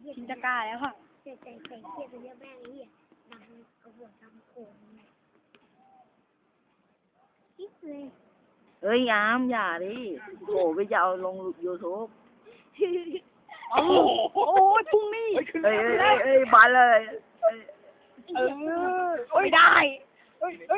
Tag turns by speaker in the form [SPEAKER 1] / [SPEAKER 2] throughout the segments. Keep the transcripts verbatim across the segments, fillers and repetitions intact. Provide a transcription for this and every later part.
[SPEAKER 1] ชินตะกาแล้วค่ะ
[SPEAKER 2] แต่แต่แต่เกียดเยอะแม่งไอ้เหี้ยดังเอาหัวทำโขงกิ๊กเลย
[SPEAKER 3] เอ้ยอามอย่าดิโหไปจะเอาลงยูทูบ
[SPEAKER 1] โอ้โอ้ยพุ่งนี่
[SPEAKER 3] เอ้ยเอ้ยเอ้ยบานเลย
[SPEAKER 1] เออโอ้ยได้เอ้ยเอ้ย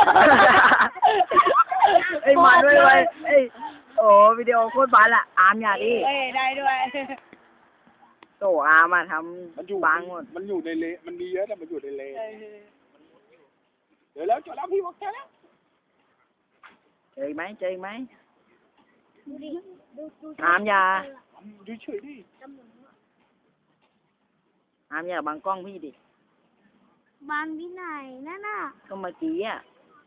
[SPEAKER 3] เอ้ยมาด้วยเลยเอ้ยโอ้วิดีโอโคตรบานละอามอย่าดิ
[SPEAKER 1] เอ้ยได้ด้วย
[SPEAKER 3] โตอามาท
[SPEAKER 4] มันอยู่
[SPEAKER 3] ำบางหมด
[SPEAKER 4] มันอยู่ในเลมันมีเยอะแต่มันอยู่ในเลเดี๋ยวแล้วจบแล้วพี่บอกแค่แล้ว
[SPEAKER 3] เจอไหมเจอไหม
[SPEAKER 2] ดูดิดูดู
[SPEAKER 3] อามอย่า
[SPEAKER 4] ดูเฉยดิ
[SPEAKER 3] อามอย่าบังกล้องพี่ดิ
[SPEAKER 2] บางที่ไหนนั่นน่ะ
[SPEAKER 3] ก็เมื่อกี้อ่ะ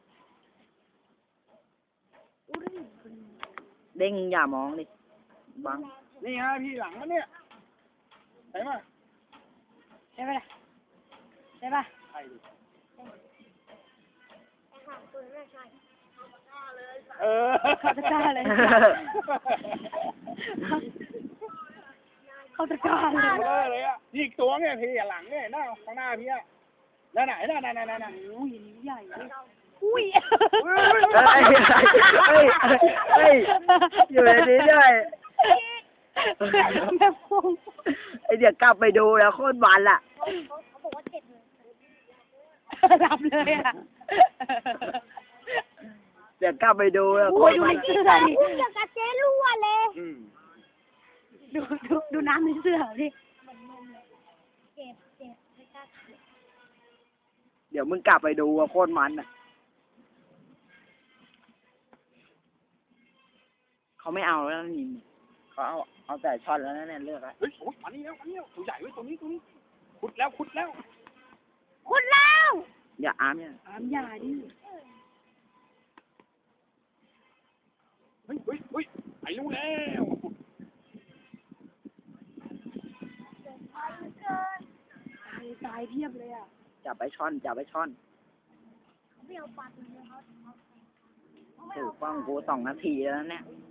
[SPEAKER 3] เด้งอย่ามองดิบัง
[SPEAKER 4] นี่ฮะพี่หลังมันเนี่ยใช่ไหม
[SPEAKER 1] ใช่ไหมล่ะใช่ป่ะ
[SPEAKER 4] ใช่ดิเออ
[SPEAKER 1] เขาตะกร้าเลยเขาตะกร้าเลย
[SPEAKER 4] เลยอ่ะนี่อีกตัวเนี่ยพี่หลังเนี่ยหน้าข้างหน้าพี่อ่ะนั่นไหนนั่นนั่นนั่นนั่น
[SPEAKER 1] อุ้ยใหญ่อุ้ย
[SPEAKER 3] เฮ้ยเฮ้ยเฮ้ยอยู่ในนี้ด้วย
[SPEAKER 1] แม่พง
[SPEAKER 3] ไอเดี๋ยวกลับไปดูแล้วโคตรบานล่ะ
[SPEAKER 2] เขาบอกว่าเจ็บเลย
[SPEAKER 1] รับเลยอ่ะ
[SPEAKER 3] เดี๋ยวกลับไปดูแล้วโคตรบาน
[SPEAKER 1] เสื้อดิ
[SPEAKER 2] พูดอย่างกับเจ๊รั่วเลย
[SPEAKER 1] ดูดูดูน้ำในเสื้อดิ
[SPEAKER 2] เจ็บเจ็บไม่กล้าเจ็บ
[SPEAKER 3] เดี๋ยวมึงกลับไปดูว่าโคตรมันอ่ะเขาไม่เอาแล้วนี่เขาเอาเอาแต่ช็อตแล้วนั่นเลือกแล้ว
[SPEAKER 4] เฮ้ยโอ้ยมานี่แล้วมานี่แล้วตัวใหญ่ไว้ตัวนี้ตัวนี้ขุดแล้วขุดแล้ว
[SPEAKER 2] ขุดแล้ว
[SPEAKER 3] อย่าอามเนี่ย
[SPEAKER 1] อามอย่าดิ
[SPEAKER 4] เฮ้ยเฮ้ยเฮ้ยไอ้รู้แล้ว
[SPEAKER 1] ตายตายเพียบเลยอ่ะ
[SPEAKER 3] จับไปช่อนจับไปช่อน
[SPEAKER 2] ไม่เอาปัดเลยเขา
[SPEAKER 3] ถูกต้องกูสองนาทีแล้วเนี่ย